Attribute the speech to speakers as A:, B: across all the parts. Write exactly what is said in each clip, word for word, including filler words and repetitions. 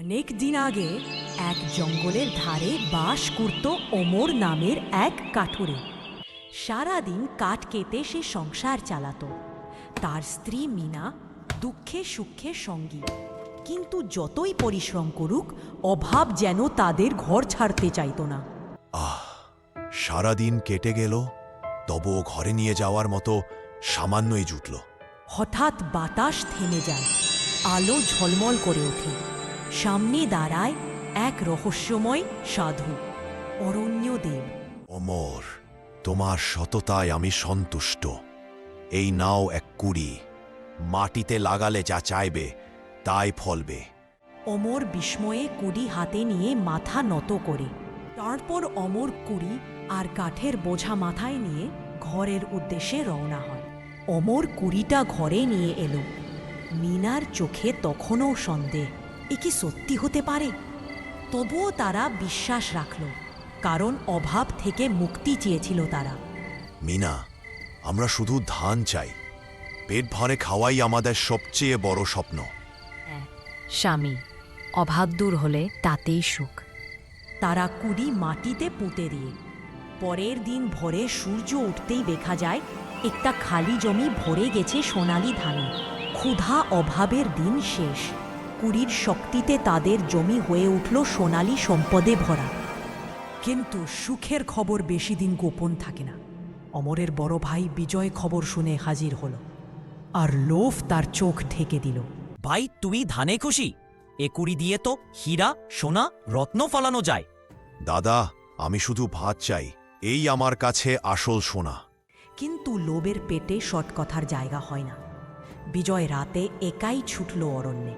A: অনেক দিন আগে এক জঙ্গলের ধারে বাস করত অমর নামের এক কাঠুরে। সারাদিন কাঠ কেটে সে সংসার চালাতো। তার স্ত্রী মিনা দুঃখে সুখে সঙ্গী, কিন্তু যতই পরিশ্রম করুক অভাব যেন তাদের ঘর ছাড়তে চাইত না।
B: আহ, সারাদিন কেটে গেল, তবুও ঘরে নিয়ে যাওয়ার মতো সামান্যই জুটল।
A: হঠাৎ বাতাস থেমে যায়, আলো ঝলমল করে ওঠে। সামনে দাঁড়ায় এক রহস্যময় সাধু, অরণ্যদেব।
B: অমর, তোমার সততায় আমি সন্তুষ্ট। এই নাও এক কুড়ি, মাটিতে লাগালে যা চাইবে তাই ফলবে।
A: অমর বিস্ময়ে কুড়ি হাতে নিয়ে মাথা নত করে। তারপর অমর কুড়ি আর কাঠের বোঝা মাথায় নিয়ে ঘরের উদ্দেশ্যে রওনা হয়। অমর কুড়িটা ঘরে নিয়ে এলো। মিনার চোখে তখনও সন্দেহ, এ কি সত্যি হতে পারে? তবুও তারা বিশ্বাস রাখল, কারণ অভাব থেকে মুক্তি চেয়েছিল তারা।
B: মিনা, আমরা শুধু ধান চাই, পেট ভরে খাওয়াই আমাদের সবচেয়ে বড় স্বপ্ন।
C: স্বামী, অভাব দূর হলে তাতেই সুখ।
A: তারা কুড়ি মাটিতে পুঁতে দিয়ে পরের দিন ভোরে সূর্য উঠতেই দেখা যায় একটা খালি জমি ভরে গেছে সোনালি ধানে। ক্ষুধা অভাবের দিন শেষ। কুড়ির শক্তিতে তাদের জমি হয়ে উঠল সোনালি সম্পদে ভরা। কিন্তু সুখের খবর বেশি দিন গোপন থাকে না। অমরের বড় ভাই বিজয় খবর শুনে হাজির হলো, আর লোভ তার চোখ ঢেকে দিল।
D: ভাই, তুই ধানে খুশি? এ কুড়ি দিয়ে তো হীরা, সোনা, রত্ন ফলানো যায়।
B: দাদা, আমি শুধু ভাত চাই, এই আমার কাছে আসল সোনা।
A: কিন্তু লোভের পেটে শট কথার জায়গা হয় না। বিজয় রাতে একাই ছুটল অরণ্যে।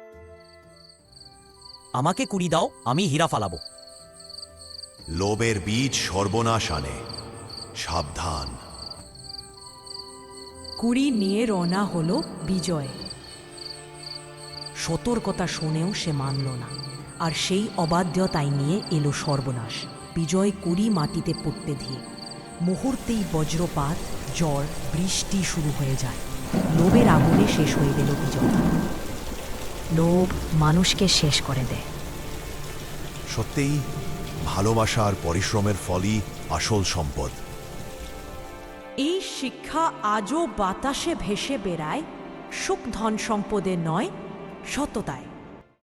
D: আমাকে কুড়ি দাও, আমি হীরা ফালাবো।
B: লোভের বীজ সর্বনাশ আনে, সাবধান।
A: কুড়ি নিয়ে রওনা হলো বিজয়। সতর্কতা শুনেও সে মানল না, আর সেই অবাধ্যতাই নিয়ে এলো সর্বনাশ। বিজয় কুড়ি মাটিতে পুঁততে দিয়ে মুহূর্তেই বজ্রপাত, ঝড়, বৃষ্টি শুরু হয়ে যায়। লোভের আগুনে শেষ হয়ে গেল বিজয়।
C: লোভ মানুষকে শেষ করে দেয়।
B: সত্যিই ভালোবাসা আর পরিশ্রমের ফলই আসল সম্পদ।
A: এই শিক্ষা আজও বাতাসে ভেসে বেড়ায়, সুখ ধন সম্পদে নয়, সততায়।